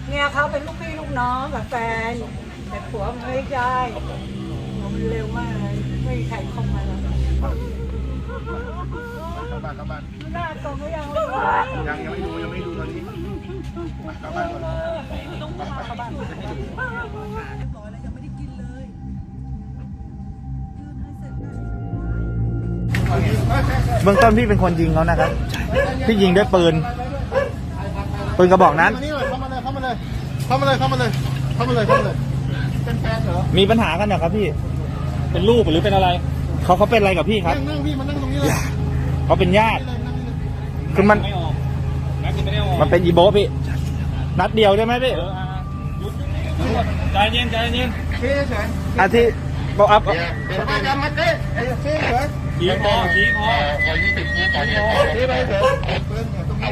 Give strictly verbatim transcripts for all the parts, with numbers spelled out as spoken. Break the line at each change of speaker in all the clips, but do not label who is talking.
เนี่ยเขาเป็นลูกพี่ลูกน้องกับแฟนแต่ผัวมันไม่ได้มันเร็วมากเลยไม่มีใครเข้ามาแล้ว
เข้าบ้านเข้าบ้าน
หน้าตรงก็ยัง
ยังยังไม่ดูยังไม่ดูตอนนี้เข้าบ้านก่อน
ต้องพาเข้าบ้าน
เบื้องต้นพี่เป็นคนยิงเขานะครับพี่ยิงด้วยปืนปืนกระบอกนั้น
เข้ามาเลยเข้ามาเลยเข้ามาเลยเข้ามาเลยเข้ามาเลยเข้ามาเลยเข้ามาเลยเป็นแฟนเหรอ
มีปัญหากันเหรอครับพี่เป็นลูกหรือเป็นอะไรเขาเขาเป็นอะไรกับพี่ครับ
นั่งนั่งพี่มานั่งตรงนี้เลย
เขาเป็นญาติคือมัน
ไม่ออกแม็กซ์ไม่ได้ออก
มันเป็นอีโบะพี่นัดเดียวได้ไหมพี่
เอออ่ะหยุดใจเย็นใจเย็น
เท่เฉย
อาทิบอกอัพ
เดี๋ยวมาจำมาเต้เท่เฉย
ชี้คอชี้คอ
เท่ไปเฉยเปิ้ลตรงนี้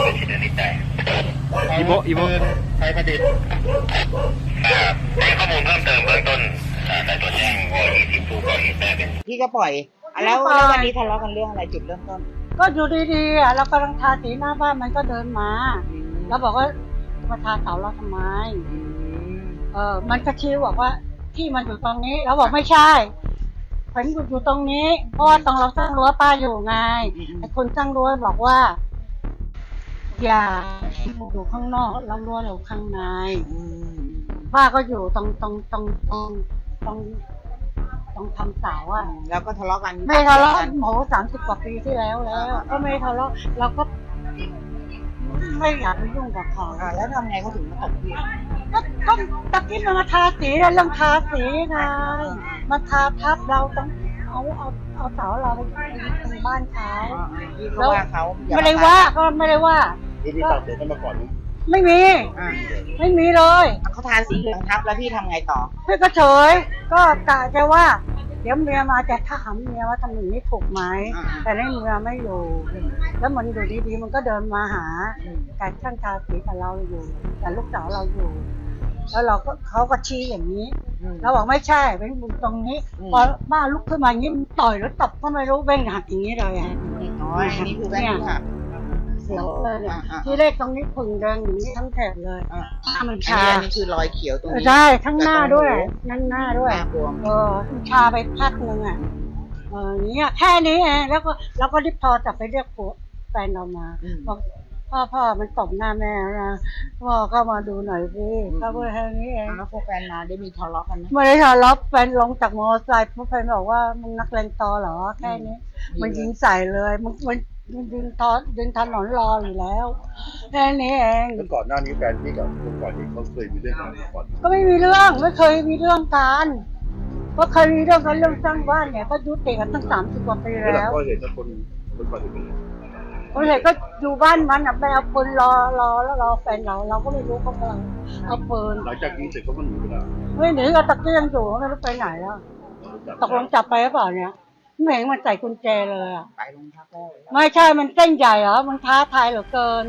อีโบะอีโบะ
ไทยประดิษฐ์
ในข้อมูลเพิ่มเติมเบื้องต้นได้ตรวจแจ้งว่ายี่สิบผู้ก่อเหตุได้เป็น
พี่ก็ปล่อยอ่ะแล้วแล้ววันนี้ทะเลาะกันเรื่องอะไรจุดเริ่มต้น
ก็อยู่ดีๆอ่ะเรากำลังทาสีหน้าบ้านมันก็เดินมา แล้วบอกว่ามาทาเสาเราทำไม เออ มันก็ชี้บอกว่าที่มันอยู่ตรงนี้เราบอกไม่ใช่ผมอยู่ตรงนี้เพราะว่าตรงเราสร้างรั้วป้าอยู่ไงไอ้คนสร้างรั้วบอกว่า อย่าอยู่ข้างนอกเรารั้วเราข้างในป้าก็อยู่ตรงตรงตรงตรงตรงตรงทำเสาอ่ะ
แล้วก็ทะเลาะกัน
ไม่ทะเลาะโหสามสิบกว่าปีที่แล้วแล้ว ก็ไม่ทะเลาะเราก็ ไม่อยากไปยุ่งกับเขา
อ่าแล้วทำไงเขาถึงมาตบพี่
ก็ก็ตะกี้มันมาทาสีเรื่องทาสีไงมาทาทับเราต้องเอาเอาเอาเสาเราไปตรงบ้านเขา
พี่ก็ว่าเขาอย่
ไม่ได้ว่าก็ไม่ได้ว่า
นี่พี่ตัดเดี๋ยวกันมาก่อนนะ
ไม่มี
อ่า
ไม่มีเลย
เขาทาสีเหลืองทับแล้วพี่ทำไงต่อ
พี่ก็เฉยก็กะจะว่า เดี๋ยวเมียมาจะถามเมียว่าทำอย่างนี้ถูกไหมแต่ในเมียไม่อยู่ แล้วมันอยู่ดีๆมันก็เดินมาหาแต่ช่างทาสีกับเราอยู่แต่ลูกสาวเราอยู่ แล้วเราก็เขาก็ชี้อย่างนี้เราบอกไม่ใช่เป็นบุญตรงนี้พอบ้าลุกขึ้นมาอย่างนี้มันต่อยแล้วตบก็ไม่รู้เบ้งหักอย่างนี้เลยอ่ะ
อ๋ออันนี้คือแว่นที่หัก
เสียวเลยเนี่ย
อ่าๆ
ที่เลขตรงนี้ผึ่งแดงอย่างนี้ทั้งแถบเลย
อ่า
หน้ามัน
อัน
ชา
นี้อันนี้คือรอยเขียวตรงนี้
ใช่ทั้งหน้าด้วยนั่นหน้าด้วย
หน้าบวม
เออมันชาไปพักนึงอ่ะเอออย่างเนี้ยแค่นี้เองแล้วก็เราก็รีบพอจับไปเรียกผัวแฟนเรามาบอกพ่อพ่อมันตบหน้าแม่นะพ่อก็มาดูหน่อยสิก็เพื่อแค่นี้เอง
แล้วพวกแฟนมาได้มีทะเลาะกันไหม
ไม่ได้ทะเลาะแฟนลงจากมอเตอร์ไซค์เพราะแฟนบอกว่ามึงนักเลงตอเหรอแค่นี้ มันยิงใส่เลยมันมันมันยิงทอยิงถนนรออยู่แล้วแค่นี้เอง
แล้วก่อนหน้านี้แฟนพี่กับคนก่อนนี้เขาเคยมีเรื่องกันมาก่อน
ก็ไม่มีเรื่องไม่เคยมีเรื่องกันเพราะเคยมีเรื่องกันเรื่องสร้างบ้านเนี่ยก็ยุติกันตั้งสามสิบกว่าปี
แล้ว
แล้ว
ก็เห็นว่าคนคนก่อนเป็น
คนเห็นก็อยู่บ้านมันอ่ะไปเอาปืนรอรอแล้วรอแฟนเราเราก็ไม่รู้เขากำลังเอาปืน
หลังจากยิงเสร็จเขาก็หนีไปแล้ว
ไม่หนีก็ตะเกียงอยู่ไม่รู้ไปไหนแล้วตกลงจับไปหรือเปล่าเนี่ยไม่เห็นมันใส่กุญแจเลยอ่ะ
ไปโรงพักแล้ว
ไม่ใช่มันเส้นใหญ่เหรอมันท้าทายเหลือเกิน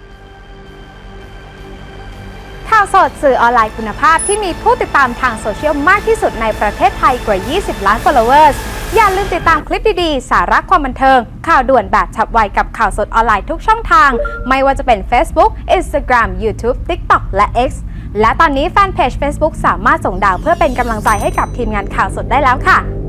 ข่าวสดสื่อออนไลน์คุณภาพที่มีผู้ติดตามทางโซเชียลมากที่สุดในประเทศไทยกว่า ยี่สิบ ล้าน followers อย่าลืมติดตามคลิปดีๆ สาระความบันเทิง ข่าวด่วนแบบฉับไวกับข่าวสดออนไลน์ทุกช่องทาง ไม่ว่าจะเป็น Facebook Instagram YouTube TikTok และ X และตอนนี้แฟนเพจ Facebook สามารถส่งดาวเพื่อเป็นกำลังใจให้กับทีมงานข่าวสดได้แล้วค่ะ